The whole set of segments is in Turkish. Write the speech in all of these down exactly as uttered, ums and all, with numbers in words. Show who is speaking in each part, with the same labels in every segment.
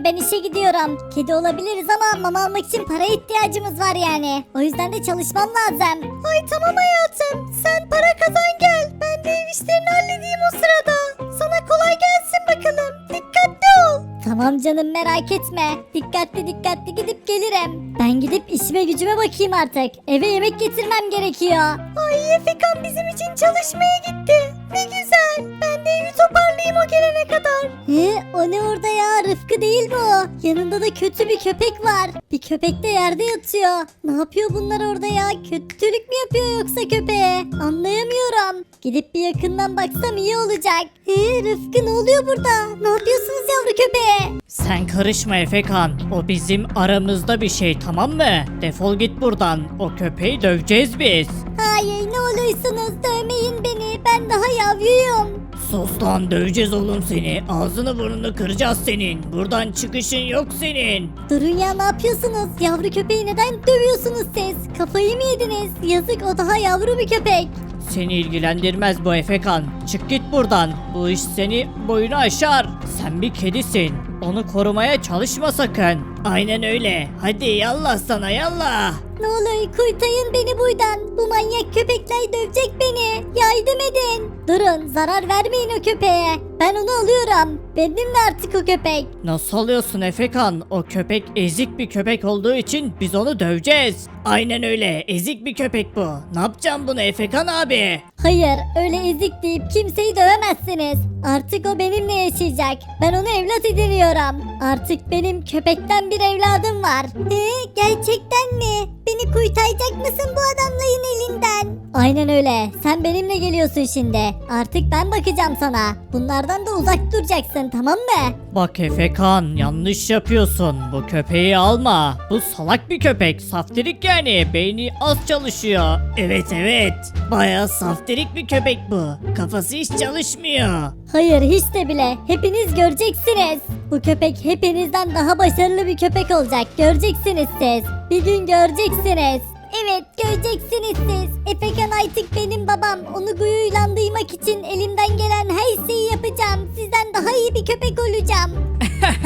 Speaker 1: ben işe gidiyorum. Kedi olabiliriz ama mama almak için paraya ihtiyacımız var yani. O yüzden de çalışmam lazım. Ay tamam hayatım. Sen para kazan gel. Ben de ev işlerini halledeyim o sırada. Sana kolay gelsin bakalım. Dikkatli ol. Tamam canım merak etme. Dikkatli dikkatli gidip gelirim. Ben gidip işime gücüme bakayım artık. Eve yemek getirmem gerekiyor. Ay Efekan bizim için çalışmaya gitti. Ne güzel. Ben de evi toparlayayım o gelene kadar. He, o ne orada ya? Rıfkı değil mi o? Yanında da kötü bir köpek var. Bir köpek de yerde yatıyor. Ne yapıyor bunlar orada ya? Kötülük mü yapıyor yoksa köpeğe? Anlayamıyorum. Gidip bir yakından baksam iyi olacak. He, Rıfkı ne oluyor burada? Ne yapıyorsunuz yavru köpeğe?
Speaker 2: Sen karışma Efekan. O bizim aramızda bir şey, tamam mı? Defol git buradan. O köpeği döveceğiz biz.
Speaker 1: Hayır ne olursunuz dövmeyin beni. Ben daha yavruyum.
Speaker 2: Sus lan, döveceğiz oğlum seni. Ağzını burnunu kıracağız senin. Buradan çıkışın yok senin.
Speaker 1: Durun ya ne yapıyorsunuz? Yavru köpeği neden dövüyorsunuz siz? Kafayı mı yediniz? Yazık o daha yavru bir köpek.
Speaker 2: Seni ilgilendirmez bu Efekan. Çık git buradan. Bu iş seni boyunu aşar. Sen bir kedisin. Onu korumaya çalışma sakın. Aynen öyle. Hadi yallah sana yallah.
Speaker 1: Ne olur kurtarın beni buradan. Bu manyak köpekler dövecek beni. Yardım edin. Durun zarar vermeyin o köpeğe. Ben onu alıyorum. Benimle artık o köpek.
Speaker 2: Nasıl alıyorsun Efekan? O köpek ezik bir köpek olduğu için biz onu döveceğiz. Aynen öyle. Ezik bir köpek bu. Ne yapacağım bunu Efekan abi?
Speaker 1: Hayır öyle ezik deyip kimseyi dövemezsiniz. Artık o benimle yaşayacak. Ben onu evlat ediniyorum. Artık benim köpekten bir evladım var. Ee, gerçekten mi? Beni kurtaracak mısın bu adamların elinden? Aynen öyle. Sen benimle geliyorsun şimdi. Artık ben bakacağım sana. Bunlardan da uzak duracaksın tamam mı?
Speaker 2: Bak Efekan, yanlış yapıyorsun. Bu köpeği alma. Bu salak bir köpek. Saftirik yani. Beyni az çalışıyor. Evet evet. Bayağı saftirik bir köpek bu. Kafası hiç çalışmıyor.
Speaker 1: Hayır hiç de bile. Hepiniz göreceksiniz. Bu köpek hepinizden daha başarılı bir köpek olacak. Göreceksiniz siz. Bir gün göreceksiniz. Evet göreceksiniz siz. Efekan artık benim babam. Onu gururlandırmak için elimden gelen her şeyi yapacağım. Sizden daha iyi bir köpek olacağım.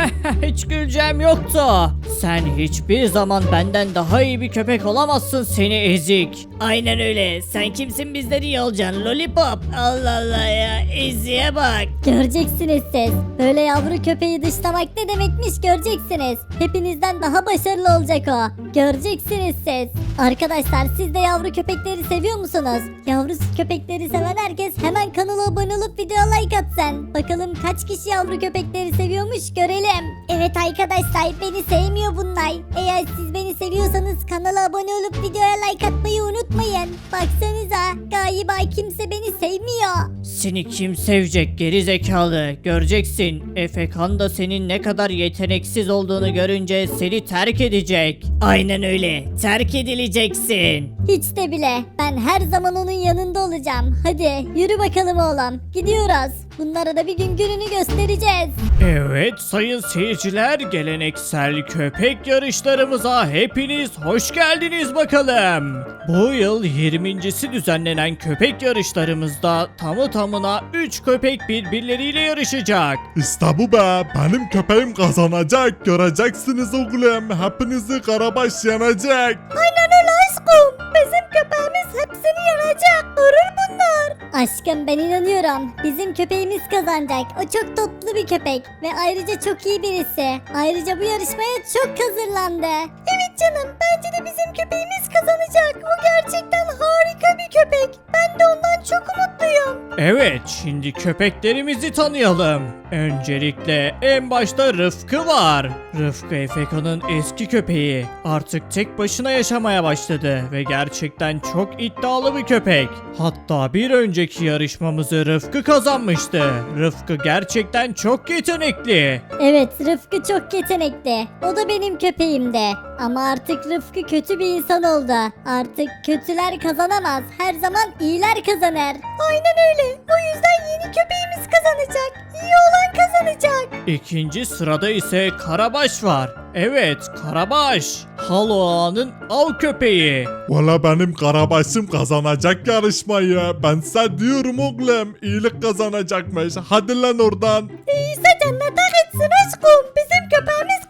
Speaker 2: Hiç güleceğim yoktu. Sen hiçbir zaman benden daha iyi bir köpek olamazsın seni ezik. Aynen öyle. Sen kimsin bizden iyi olacaksın lollipop. Allah Allah ya. Eziğe bak.
Speaker 1: Göreceksiniz siz. Böyle yavru köpeği dışlamak ne demekmiş göreceksiniz. Hepinizden daha başarılı olacak o. Göreceksiniz siz. Arkadaşlar siz de yavru köpekleri seviyor musunuz? Yavru köpekleri seven herkes hemen kanala abone olup videoya like atsın. Bakalım kaç kişi yavru köpekleri seviyormuş görelim. Evet arkadaşlar beni sevmiyor bunlar. Eğer siz beni seviyorsanız kanala abone olup videoya like atmayı unutmayın. Baksanıza galiba kimse beni sevmiyor.
Speaker 2: Seni kim sevecek geri zekalı? Göreceksin. Efekan da senin ne kadar yeteneksiz olduğunu görünce seni terk edecek. Aynen öyle. Terk edileceksin.
Speaker 1: Hiç de bile. Ben her zaman onun yanında olacağım. Hadi yürü bakalım oğlum. Gidiyoruz. Bunlara da bir gün gününü göstereceğiz.
Speaker 2: Evet sayın seyirciler, geleneksel köpek yarışlarımıza hepiniz hoş geldiniz bakalım. Bu yıl yirmincisi düzenlenen köpek yarışlarımızda tamı tamına üç köpek birbirleriyle yarışacak.
Speaker 3: İşte bu be, benim köpeğim kazanacak, göreceksiniz oğlum, hepinizi Karabaş yenecek.
Speaker 1: Aynen öyle aşkım. Bizim köpeğimiz hepsini yenecek. Durur bunlar. Aşkım ben inanıyorum. Bizim köpeğimiz kazanacak. O çok tatlı bir köpek. Ve ayrıca çok iyi birisi. Ayrıca bu yarışmaya çok hazırlandı. Evet canım. Bence de bizim köpeğimiz kazanacak. O gerçekten harika bir köpek. Ben de ondan çok umutluyum.
Speaker 2: Evet, şimdi köpeklerimizi tanıyalım. Öncelikle en başta Rıfkı var. Rıfkı Efekan'ın eski köpeği. Artık tek başına yaşamaya başladı ve gerçekten çok iddialı bir köpek. Hatta bir önceki yarışmamızı Rıfkı kazanmıştı. Rıfkı gerçekten çok yetenekli.
Speaker 1: Evet Rıfkı çok yetenekli. O da benim köpeğimdi. Ama artık Rıfkı kötü bir insan oldu. Artık kötüler kazanamaz. Her zaman iyiler kazanır. Aynen öyle. O yüzden yeni köpeğimiz kazanacak. İyi olan kazanacak.
Speaker 2: İkinci sırada ise Karabaş var. Evet, Karabaş. Halo Ağa'nın av köpeği.
Speaker 3: Valla benim Karabaş'ım kazanacak yarışmayı. Ben size diyorum oğlum, iyilik kazanacakmış. Hadi lan oradan.
Speaker 1: İyiyse cennet hak etsin aşkım. Bizim köpeğimiz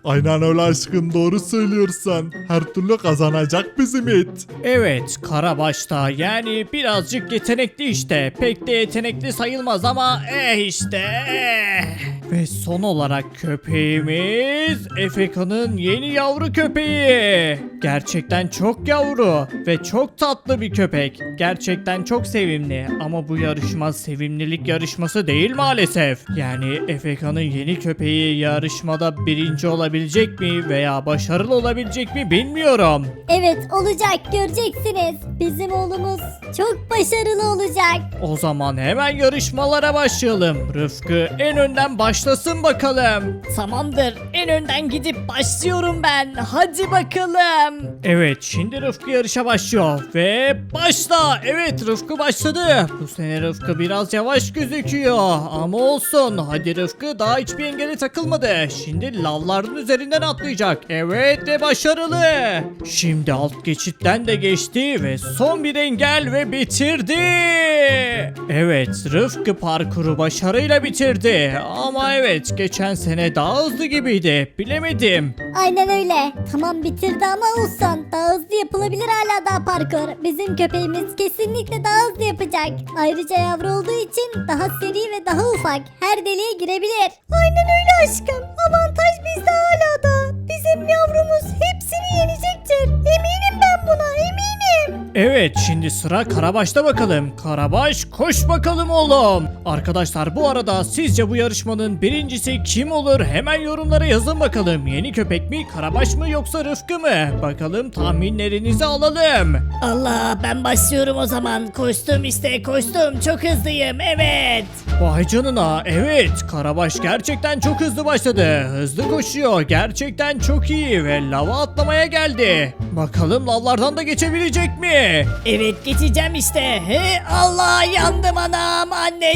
Speaker 3: Aynen öyle aşkım, doğru söylüyorsun. Her türlü kazanacak bizim it.
Speaker 2: Evet, Karabaş'ta yani birazcık yetenekli işte. Pek de yetenekli sayılmaz ama eh işte eh. Ve son olarak köpeğimiz Efeka'nın yeni yavru köpeği. Gerçekten çok yavru ve çok tatlı bir köpek. Gerçekten çok sevimli ama bu yarışma sevimlilik yarışması değil maalesef. Yani Efeka'nın yeni köpeği yarışmada birinci olabilecek mi veya başarılı olabilecek mi bilmiyorum.
Speaker 1: Evet olacak, göreceksiniz. Bizim oğlumuz çok başarılı olacak.
Speaker 2: O zaman hemen yarışmalara başlayalım. Rıfkı en önden başlasın bakalım.
Speaker 4: Tamamdır. En önden gidip başlıyorum ben. Hadi bakalım.
Speaker 2: Evet, şimdi Rıfkı yarışa başlıyor ve başla. Evet, Rıfkı başladı. Bu sene Rıfkı biraz yavaş gözüküyor ama olsun. Hadi Rıfkı, daha hiçbir engele takılmadı. Şimdi lavların üzerinden atlayacak. Evet ve başarılı. Şimdi alt geçitten de geçti ve son bir engel ve bitirdi. Evet, Rıfkı parkuru başarıyla bitirdi. Ama evet, geçen sene daha hızlı gibiydi. Bilemedim.
Speaker 1: Aynen öyle. Tamam bitirdi ama olsun. Daha hızlı yapılabilir hala daha parkur. Bizim köpeğimiz kesinlikle daha hızlı yapacak. Ayrıca yavru olduğu için daha seri ve daha ufak. Her deliğe girebilir. Aynen öyle aşkım. Avantaj bizde hala da. Bizim yavrumuz hepsini yenecektir. Eminim ben buna, eminim.
Speaker 2: Evet, şimdi sıra Karabaş'ta bakalım. Karabaş, koş bakalım oğlum. Arkadaşlar, bu arada sizce bu yarışmanın birincisi kim olur? Hemen yorumlara yazın bakalım. Yeni köpek mi, Karabaş mı yoksa Rıfkı mı? Bakalım tahminlerinizi alalım.
Speaker 4: Allah, ben başlıyorum o zaman. Koştum işte, koştum. Çok hızlıyım. Evet.
Speaker 2: Vay canına, evet, Karabaş gerçekten çok hızlı başladı. Hızlı koşuyor, gerçekten çok iyi ve lava atlamaya geldi. Bakalım lavlardan da geçebilecek mi?
Speaker 4: Evet, geçeceğim işte. He, Allah, yandım anam,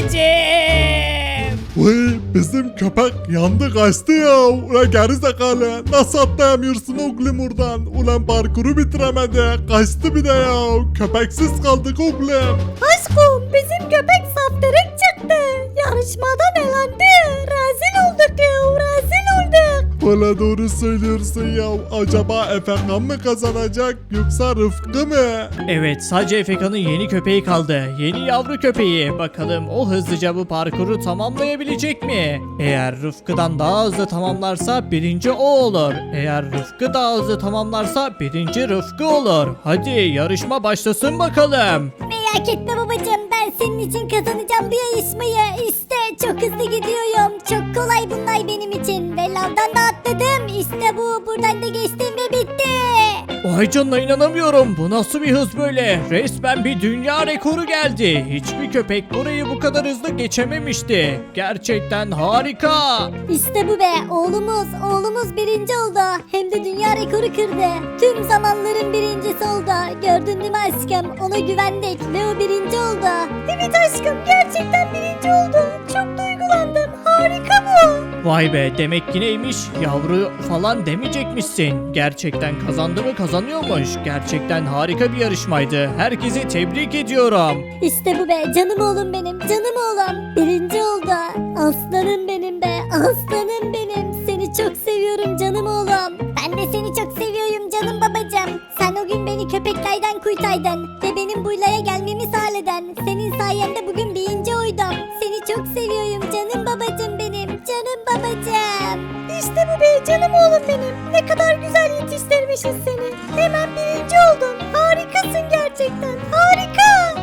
Speaker 4: anneciğim.
Speaker 3: Vay, bizim köpek yandı kaçtı ya. Ulan gerizekalı, nasıl atlayamıyorsun oğlum oradan? Ulan parkuru bitiremedi, kaçtı bir de ya. Köpeksiz kaldık oğlum.
Speaker 1: Aşkım bizim köpek saftirek çıktı. Yarışmadan elendi. Rezil olduk ya, rezil olduk.
Speaker 3: Valla doğru söylüyorsun ya. Acaba Efekan mı kazanacak yoksa Rıfkı mı?
Speaker 2: Evet, sadece Efeka'nın yeni köpeği kaldı. Yeni yavru köpeği. Bakalım o hızlıca bu parkuru tamamlayabilecek mi? Eğer Rıfkı'dan daha hızlı tamamlarsa birinci o olur. Eğer Rıfkı daha hızlı tamamlarsa birinci Rıfkı olur. Hadi yarışma başlasın bakalım.
Speaker 1: Merak etme babacığım, ben senin için kazanacağım bu yarışmayı. İşte çok hızlı gidiyorum. Çok kolay bunlar benim için. Ve lavdan da atladım. İşte bu. Buradan da geçtim ve bitti.
Speaker 2: Vay canına, inanamıyorum. Bu nasıl bir hız böyle? Resmen bir dünya rekoru geldi. Hiçbir köpek burayı bu kadar hızlı geçememişti. Gerçekten harika.
Speaker 1: İşte bu be. Oğlumuz, oğlumuz birinci oldu. Hem de dünya rekoru kırdı. Tüm zamanların birincisi oldu. Gördün değil mi aşkım? Ona güvendik ve o birinci oldu. Evet aşkım, gerçekten birinci oldu. Çok duygulandım. Harika bu.
Speaker 2: Vay be, demek ki neymiş? Yavru falan demeyecekmişsin. Gerçekten kazandı mı, kazanıyormuş. Gerçekten harika bir yarışmaydı. Herkesi tebrik ediyorum.
Speaker 1: İşte bu be, canım oğlum benim, canım oğlum. Birinci oldu. Aslanım benim be, aslanım benim. Seni çok seviyorum canım oğlum. Ben de seni çok seviyorum canım babacığım. Sen o gün beni köpeklerden kurtardın ve benim buraya gelmemi sağladın. Senin sayende bugün birinci oydum. Seni çok seviyorum canım babacığım benim, canım babacığım. İşte bu be, canım oğlum benim. Ne kadar güzel yetiştirmişiz seni. Hemen birinci oldun. Harikasın gerçekten.